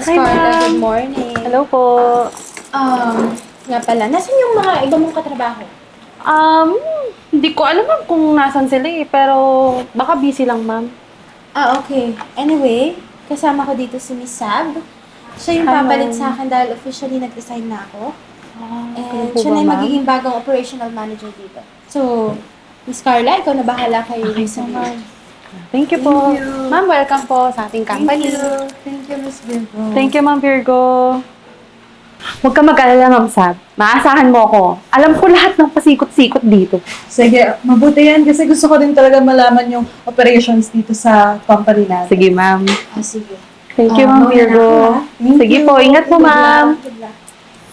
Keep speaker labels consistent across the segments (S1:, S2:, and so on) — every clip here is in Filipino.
S1: Miss
S2: Hi,
S1: Carla,
S2: ma'am.
S1: good morning.
S2: Hello po.
S1: Nga pala, nasan yung mga iba mong katrabaho?
S2: Um, Hindi ko alam ma'am kung nasan sila eh, pero baka busy lang ma'am.
S1: Okay. Anyway, kasama ko dito si Miss Sab. Siya yung
S2: Hi,
S1: papalit
S2: ma'am.
S1: sa akin dahil officially nag-resign na ako.
S2: Ganun
S1: And
S2: po
S1: siya
S2: ba,
S1: na yung
S2: ma'am?
S1: magiging bagong operational manager dito. So, Miss Carla, ikaw na bahala kay Miss Sab.
S2: Thank you po.
S3: Thank you.
S2: Ma'am, welcome po sa ating company.
S3: Thank you, Miss Virgo.
S2: Thank you, Ma'am Virgo. Huwag ka mag-alala, Ma'am Sab. Maasahan mo ako. Alam ko lahat ng pasikot-sikot dito.
S3: Sige, mabuti yan kasi gusto ko din talaga malaman yung operations dito sa company natin.
S2: Sige, Ma'am.
S1: Sige.
S2: Thank you, Ma'am
S1: mauna na
S2: Virgo.
S1: ako, ha?
S3: Thank
S2: Sige
S3: you.
S2: po, ingat po,
S1: Good
S2: Ma'am.
S1: luck. Good luck.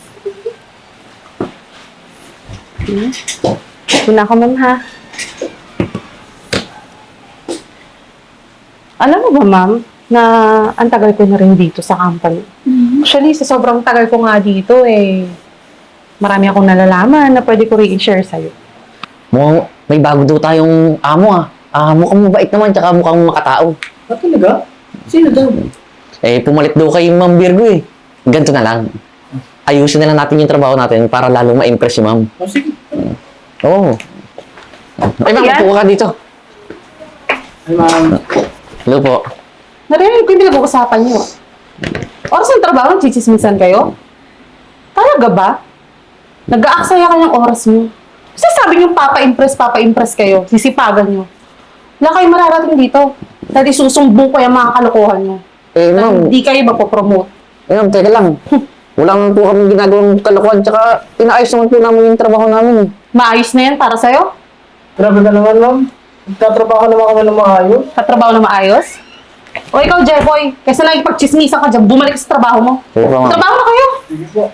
S2: Una ko, Ma'am, ha? Alam mo ba, Ma'am, na ang tagal ko na rin dito sa company. Actually, sa sobrang tagal ko nga dito, marami akong nalalaman na pwede ko rin i-share sa'yo.
S4: Mukhang may bago daw tayong amo ah. Mukhang mabait naman, tsaka mukhang makatao.
S3: Ah, talaga? Sino daw?
S4: Pumalit daw kay Ma'am Virgo eh. Ganito na lang. Ayusin na lang natin yung trabaho natin para lalo ma-impress si Ma'am.
S3: Oh, sige.
S4: Oo. Ay, Ma'am,
S2: Yan.
S4: upo ka dito.
S3: Ay, ma'am.
S4: Hello po.
S2: Narinig ko yung pinag-uusapan niyo. Oras ng trabaho, chichismisan kayo? Talaga ba? Nag-aaksaya ka ng oras mo. Kasi sabi niyo, papa-impress kayo. Sisipagan niyo. Wala kayong mararating dito. Dahil susumbong ko yung mga kalokohan niyo.
S4: Ma'am.
S2: Hindi kayo mapopromote.
S4: Ma'am, teka lang. Wala naman po kami ginagawang kalokohan, tsaka inaayos naman po namin yung trabaho namin eh.
S2: Maayos na yan para sa'yo?
S3: Grabe ka naman, ma'am. Nagtatrabaho naman kami ng maayos.
S2: Katrabaho na maayos? O ikaw, Jeboy, kaysa lang ipagchismisan ka dyan, bumalik sa trabaho mo.
S4: Oo, ma'am.
S2: Trabaho na kayo!
S3: Sige po.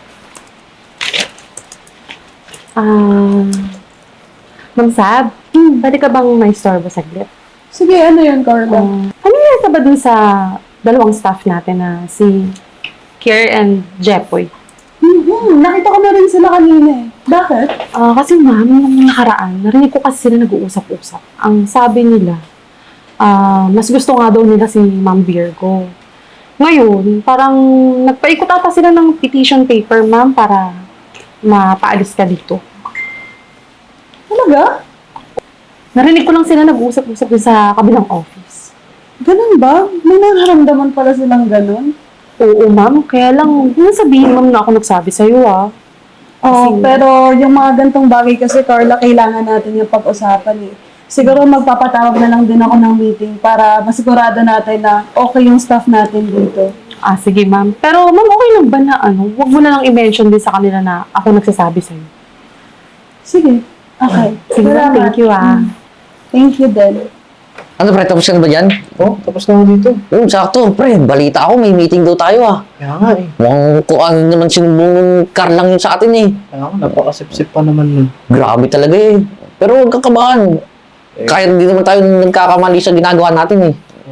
S2: Ma'am Sab, pwede ka bang may store ba saglit?
S3: Sige, ano yun, Carla?
S2: Ano yata ba dun sa dalawang staff natin na si Kier and Jepoy?
S3: Nakita ko na rin sila kanina eh. Bakit?
S2: Kasi ma'am, nung nakaraan, narinig ko kasi sila nag-uusap-usap. Ang sabi nila, mas gusto nga daw nila si Ma'am Virgo. Ngayon, parang nagpaikot ata sila ng petition paper, ma'am, para mapaalis ka dito.
S3: Talaga?
S2: Narinig ko lang sila nag-uusap-usap dun sa kabilang office.
S3: Ganun ba? May nararamdaman pala silang ganun?
S2: Oo, ma'am. Kaya lang, hindi sabihin, ma'am, na ako nagsabi sa'yo, ah.
S3: Oo,
S2: Kasi-
S3: pero yung mga gantong bagay kasi, Carla, kailangan natin yung pag-usapan eh. Siguro magpapatawag na lang din ako ng meeting para masigurado natin na okay yung staff natin dito.
S2: Sige, ma'am. Pero, ma'am, okay lang ba na, huwag mo na lang i-mention din sa kanila na ako nagsasabi sa'yo.
S3: Sige. Okay.
S2: Sige, ma'am.
S3: Salamat.
S2: Thank you, ah.
S3: Thank you, din.
S4: Ano pre, tapos ka na ba dyan?
S3: Oh, tapos na ako dito.
S4: Oo, sakto. Pre, balita ako, may meeting daw tayo ah.
S3: Kaya nga eh.
S4: Mukhang kung ano naman sinumbong ng car lang yun sa atin eh.
S3: Kaya nga, napakasipsip pa naman nun.
S4: Grabe talaga eh. Pero huwag kang kabahan. Kahit hindi naman tayo nagkakamali sa ginagawa natin eh.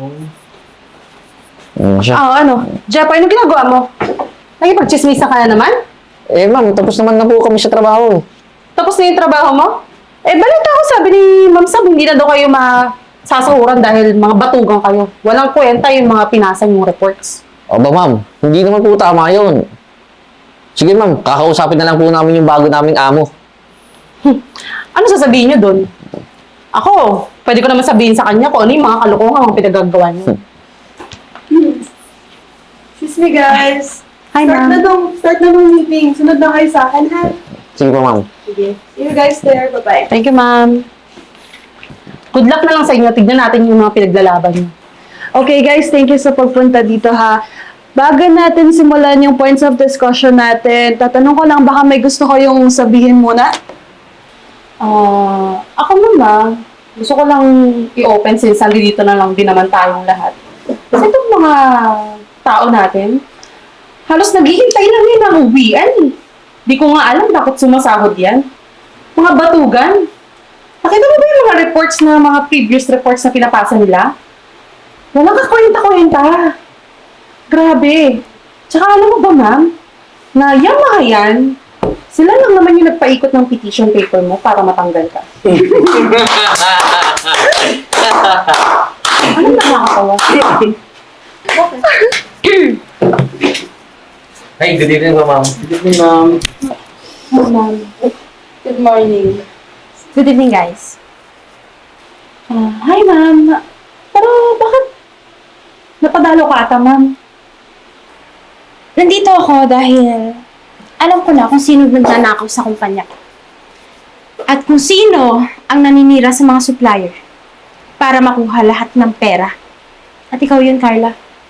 S4: Siya.
S2: Jeff, anong ginagawa mo? Nakipag-chismisa ka na naman?
S4: Ma'am, tapos naman na po kami sa trabaho.
S2: Tapos na yung trabaho mo? Balita ko, sabi ni Ma'am Sab, hindi na daw kayo masasahuran dahil mga batugang kayo. Walang kwenta yung mga pinasa yung reports.
S4: O ba ma'am, hindi naman po tama yun. Sige ma'am, kakausapin na lang po namin yung bago naming amo.
S2: Ano sasabihin nyo doon? Ako, pwede ko naman sabihin sa kanya kung ano yung mga kalokohan ang pinagagawa niyo.
S3: Excuse me, guys.
S2: Hi, ma'am.
S3: Start na nung meeting. Sunod na kayo sa akin, ha?
S4: Sige po ma'am.
S3: Sige. See you guys there. Bye-bye.
S2: Thank you, ma'am. Good luck na lang sa inyo. Tignan natin yung mga pinaglalaban niyo.
S3: Okay, guys. Thank you sa pagpunta dito, ha? Bago natin simulan yung points of discussion natin, tatanong ko lang, baka may gusto ko yung sabihin muna?
S2: Ako muna, gusto ko lang i-open since dito na lang din naman tayong lahat. Kasi itong mga tao natin, halos naghihintay lang yun ng uwian. Di ko nga alam bakit sumasahod yan. Mga batugan. Nakita mo ba yung mga reports na mga previous reports na pinapasa nila? Walang kakwenta-kwenta. Grabe. Tsaka alam mo ba, ma'am, na yung mga yan, sila lang naman yung nagpaikot ng petition paper mo para matanggal ka. Anong nakakatawa?
S4: Hey, good evening po, ma'am.
S5: Good evening, ma'am.
S3: Ma'am. Good morning.
S1: Good evening, guys.
S2: Hi, ma'am. Pero bakit napadalo ka ata, ma'am?
S1: Nandito ako dahil alam ko na kung sino nagnanakaw sa kumpanya ko. At kung sino ang naninira sa mga supplier para makuha lahat ng pera. At ikaw yun, Carla.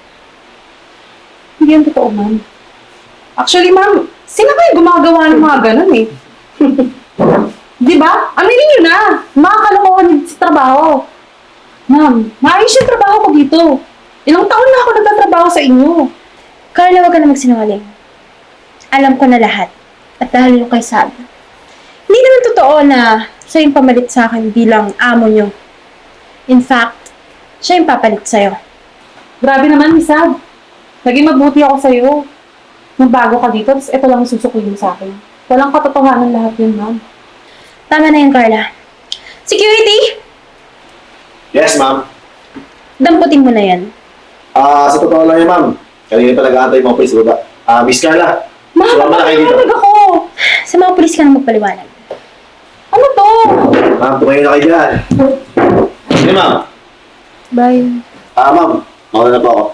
S2: Hindi yan totoo, ma'am. Actually, ma'am, sino kayo gumagawa ng mga ganun eh? Di ba? Aminin nyo na! Mga kalokohan dito sa trabaho. Ma'am, maayos yung trabaho ko dito. Ilang taon na ako nagtatrabaho sa inyo.
S1: Carla, wag ka na magsinungaling. Alam ko na lahat. At dahil yung kay Sab. Hindi naman totoo na siya yung pamalit sa akin bilang amo nyo. In fact, siya yung papalit sa'yo.
S2: Grabe naman, Miss Sab. Naging mabuti ako sa'yo. Nung bago ka dito, tapos ito lang ang susukuyin sa akin. Walang katotohanan lahat yun, ma'am.
S1: Tama na yun, Carla. Security!
S5: Yes, ma'am.
S1: Damputin mo na yan.
S5: Sa totoo lang yan, ma'am. Kanina pa nag-aantay mga police sa baba. Miss Carla.
S2: Ma'am,
S5: Sumama na kayo dito.
S2: napapaliwanag ako.
S1: Sa mga pulis ka na magpaliwanag.
S2: Ano to?
S5: Ma'am, tumayo na kayo dyan. Sige, ma'am.
S3: Bye.
S5: Ma'am. Mauna na po ako.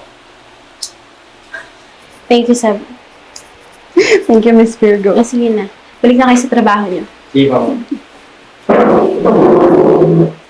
S1: Thank you, Sab.
S3: Thank you, Miss Virgo.
S1: Sige na. Balik na kayo sa trabaho niyo.
S5: Sige, ma'am.